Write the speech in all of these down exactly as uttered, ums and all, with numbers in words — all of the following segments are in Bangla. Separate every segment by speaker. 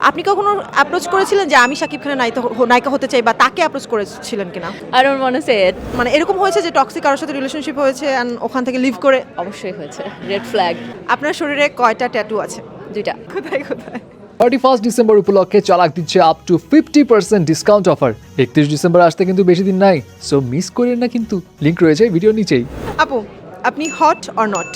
Speaker 1: আপনি কখনো অ্যাপ্রোচ করেছিলেন যে আমি শাকিব খানের নায়িকা হ- নায়িকা হতে চাই বা তাকে অ্যাপ্রোচ করেছিলেন কিনা?
Speaker 2: I don't want to say it.
Speaker 1: মানে এরকম হয়েছে যে টক্সিক কারোর সাথে রিলেশনশিপ হয়েছে অ্যান্ড ওখান থেকে লিভ করে
Speaker 2: অবশ্যই হয়েছে রেড ফ্ল্যাগ
Speaker 1: আপনার শরীরে কয়টা ট্যাটু আছে?
Speaker 2: দুইটা
Speaker 1: কোথায় কোথায়?
Speaker 3: থার্টি ফার্স্ট ডিসেম্বর উপলক্ষে চালাক দিচ্ছে up to fifty percent discount offer. একত্রিশ ডিসেম্বর আসতে কিন্তু বেশি দিন নাই, সো মিস করেন না কিন্তু। লিঙ্ক রয়েছে ভিডিও নিচেই।
Speaker 1: আপু, আপনি hot or not?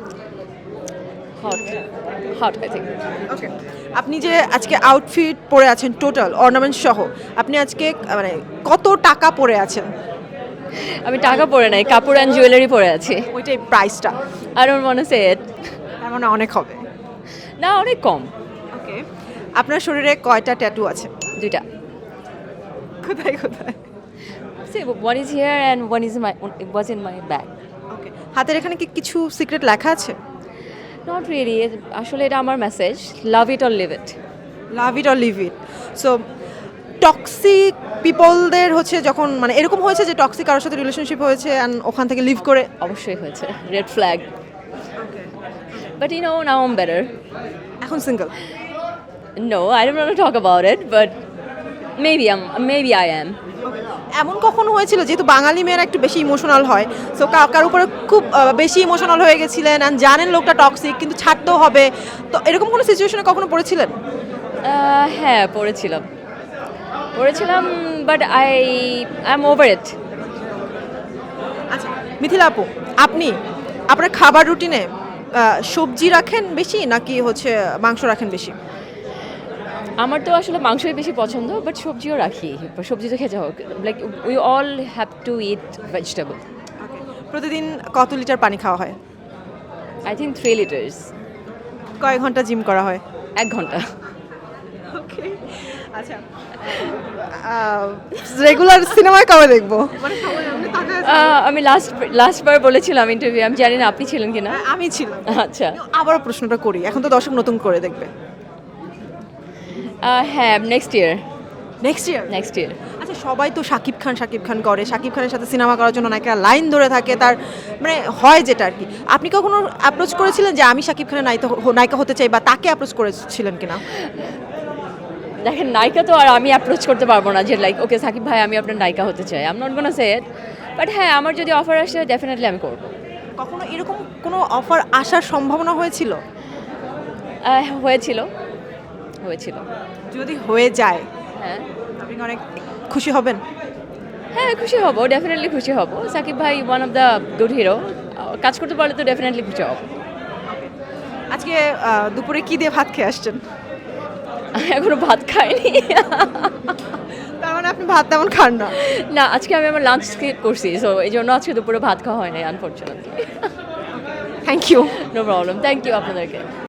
Speaker 2: Hot hot I think
Speaker 1: okay, আপনি যে আজকে আউটফিট পরে আছেন টোটাল অর্নামেন্ট সহ, আপনি আজকে আহ, মানে কত টাকা পরে আছেন?
Speaker 2: আমি টাকা পরে নাই, কাপড় অ্যান্ড জুয়েলারি পরে আছি।
Speaker 1: ওইটাই প্রাইসটা?
Speaker 2: I don't want to say it.
Speaker 1: তার মানে অনেক হবে।
Speaker 2: না, অনেক কম।
Speaker 1: ওকে, আপনার শরীরে কয়টা ট্যাটু আছে?
Speaker 2: দুইটা।
Speaker 1: কোথায় কোথায়?
Speaker 2: See, one is here and one is in my it was in my bag.
Speaker 1: ওকে, হাতের এখানে কি কিছু সিক্রেট লেখা আছে?
Speaker 2: Not really. আসলে এটা আমার message, love it or leave it.
Speaker 1: Love it or leave it. So toxic পিপলদের হচ্ছে যখন মানে এরকম হয়েছে যে টক্সিক কারোর সাথে রিলেশনশিপ হয়েছে অ্যান্ড ওখান থেকে লিভ করে
Speaker 2: অবশ্যই হয়েছে red flag. But you know, now I'm better.
Speaker 1: এখন single?
Speaker 2: No, I don't want to talk about it, but maybe I'm maybe I am.
Speaker 1: এমন কখনো হয়েছিল, যেহেতু বাঙালি মেয়েরা একটু বেশি ইমোশনাল হয়, সো কার উপরে খুব আহ, বেশি ইমোশনাল হয়ে গেছিলেন অ্যান্ড জানেন লোকটা টক্সিক কিন্তু ছাড়তেও হবে, তো এরকম কোনো সিচুয়েশনে কখনো পড়েছিলেন?
Speaker 2: আহ, হ্যাঁ, পড়েছিলাম পড়েছিলাম but I I am over it.
Speaker 1: আচ্ছা মিথিলা আপু, আপনি আপনার খাবার রুটিনে সবজি রাখেন বেশি নাকি হচ্ছে মাংস রাখেন বেশি?
Speaker 2: আমার তো আসলে মাংসই বেশি পছন্দ, বাট সবজিও রাখি। সবজি তো খেতে হোক, like we all have to eat vegetable.
Speaker 1: প্রতিদিন কত লিটার পানি খাওয়া হয়?
Speaker 2: I think three litres.
Speaker 1: কয়েক ঘন্টা জিম করা হয়?
Speaker 2: এক ঘন্টা।
Speaker 1: ওকে, আচ্ছা রেগুলার সিনেমায় কবে দেখবো? মানে সবাই এমনি তাকায় আছে।
Speaker 2: আহ, আমি লাস্ট লাস্ট বার বলেছিলাম ইন্টারভিউ, আমি জানি না আপনি ছিলেন কিনা।
Speaker 1: হ্যাঁ, আমি ছিলাম।
Speaker 2: আচ্ছা,
Speaker 1: আবারও প্রশ্নটা করি, এখন তো দর্শক নতুন করে দেখবে।
Speaker 2: আহ, হ্যাঁ, next year
Speaker 1: next year?
Speaker 2: Next year
Speaker 1: আচ্ছা, সবাই তো শাকিব খান শাকিব খান করে, শাকিব খানের সাথে সিনেমা করার জন্য নায়িকা লাইন ধরে থাকে, তার মানে হয় যেটা আর কি। আপনি কখনো অ্যাপ্রোচ করেছিলেন যে আমি শাকিব খানের নায়িকা হ- নায়িকা হতে চাই বা তাকে অ্যাপ্রোচ করেছিলেন কিনা?
Speaker 2: দেখেন, নায়িকা তো আর আমি অ্যাপ্রোচ করতে পারবো না যে লাইক ওকে সাকিব ভাই আমি আপনার নায়িকা হতে চাই। I am not gonna say it, but হ্যাঁ, আমার যদি অফার আসে ডেফিনেটলি আমি করবো।
Speaker 1: কখনো এরকম কোনো অফার আসার সম্ভাবনা হয়েছিল?
Speaker 2: আহ, হয়েছিল হয়েছিল
Speaker 1: যদি হয়ে যায়
Speaker 2: হ্যাঁ
Speaker 1: আপনি কি অনেক খুশি হবেন?
Speaker 2: হ্যাঁ, খুশি হব, ডেফিনেটলি খুশি হব। সাকিব ভাই one of the good hero, কাজ করতে পারলে তো ডেফিনেটলি খুশি হব।
Speaker 1: আজকে আহ, দুপুরে কি দিয়ে ভাত খেয়ে আসছেন?
Speaker 2: এখনো ভাত খাইনি।
Speaker 1: তার মানে আপনি ভাত তেমন খান না?
Speaker 2: না, আজকে আমি আমার লাঞ্চ স্কিপ করছি, সো এই জন্য আজকে দুপুরে ভাত খাওয়া হয় নাই unfortunately.
Speaker 1: Thank you.
Speaker 2: No problem, thank you আপনাদেরকে।